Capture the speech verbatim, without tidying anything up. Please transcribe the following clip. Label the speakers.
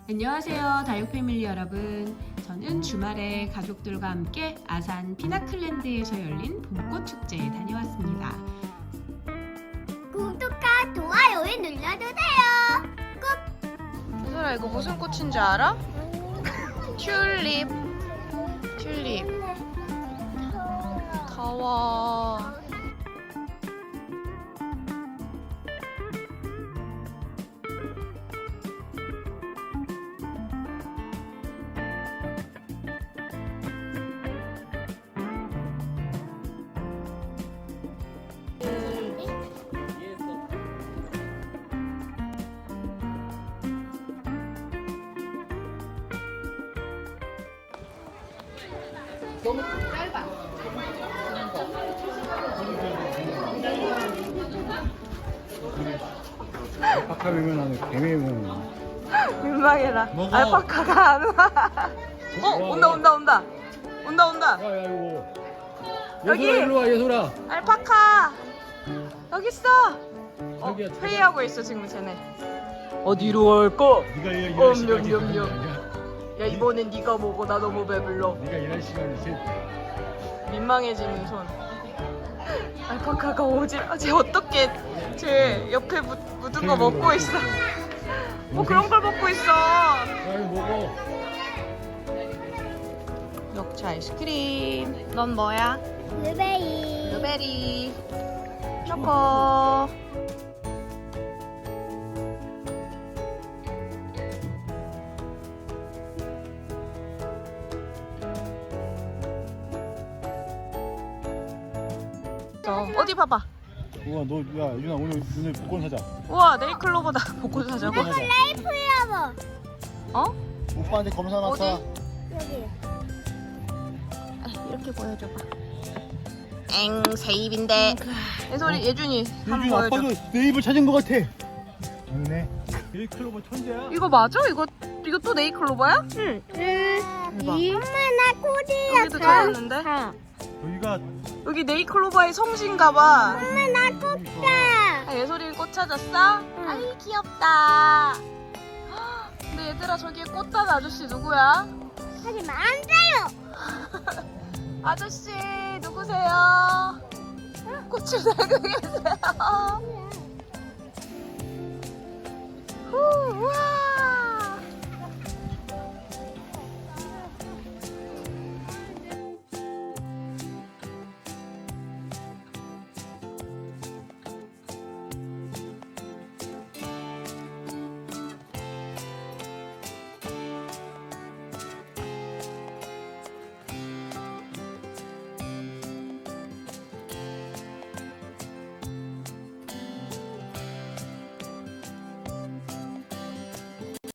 Speaker 1: 안녕하세요, 다육 패밀리 여러분. 저는 주말에 가족들과 함께 아산 피나클랜드에서 열린 봄꽃 축제에 다녀왔습니다.
Speaker 2: 구독과 좋아요에 눌러주세요. 꾹.
Speaker 3: 얘들아, 이거 무슨 꽃인지 알아? 튤립. 튤립. 더워.
Speaker 1: 너무 짧아.
Speaker 4: 알파카면 하는 개미면
Speaker 3: 민망해라.
Speaker 4: 먹어.
Speaker 3: 알파카가 안 와. 어, 온다, 온다, 온다. 온다, 온다.
Speaker 4: 야야 이거
Speaker 3: 여기!
Speaker 4: 예솔아 일로 와 예솔아.
Speaker 3: 알파카. 여기 있어. 어,
Speaker 4: 저기야, 저기.
Speaker 3: 회의하고 있어, 지금 쟤네. 어디로 갈까?
Speaker 4: 네가 일- 일할
Speaker 3: 엄,
Speaker 4: 시간이
Speaker 3: 염, 염,
Speaker 4: 있는
Speaker 3: 염.
Speaker 4: 거 아니야?
Speaker 3: 야, 이번엔 네가 먹어. 나 너무 배불러.
Speaker 4: 네가 일할 시간이지.
Speaker 3: 민망해지는 손. 알파카가 오질. 아, 쟤 어떻게 쟤 옆에 묻, 묻은 거 먹고 있어. 뭐 그런 걸 먹고 있어.
Speaker 4: 야 이거 먹어.
Speaker 3: 녹차 아이스크림. 넌 뭐야?
Speaker 2: 블루베리.
Speaker 3: 블루베리. 초코. 어, 어디 봐봐.
Speaker 4: 우와 너야 유나 오늘 오늘 복권 사자.
Speaker 3: 우와, 네일클로버다. 복권 사자고.
Speaker 4: 복권 사자.
Speaker 2: 플라워.
Speaker 3: 어?
Speaker 4: 오빠한테 검사
Speaker 3: 어디?
Speaker 4: 맡아.
Speaker 2: 여기.
Speaker 3: 이렇게 보여줘봐. 엥, 새 입인데. 예솔이, 예준이 한번
Speaker 4: 유준
Speaker 3: 보여줘.
Speaker 4: 아빠도 내 입을 찾은 것 같아. 맞네. 네이클로버 천재야.
Speaker 3: 이거 맞아? 이거 이거 또 네이클로버야?
Speaker 2: 응.
Speaker 3: 대박.
Speaker 2: 엄마 나 코디야.
Speaker 3: 여기도 찾았는데?
Speaker 4: 여기가
Speaker 3: 여기 네이클로버의 성신가봐.
Speaker 2: 엄마 나 꽃다.
Speaker 3: 아, 예솔이 꽃 찾았어?
Speaker 2: 응.
Speaker 3: 아이, 귀엽다. 헉, 근데 얘들아, 저기에 꽃단 아저씨 누구야?
Speaker 2: 하지만 안 돼요.
Speaker 3: 아저씨 누구세요? 꽃을 들고 계세요. 후, 우와.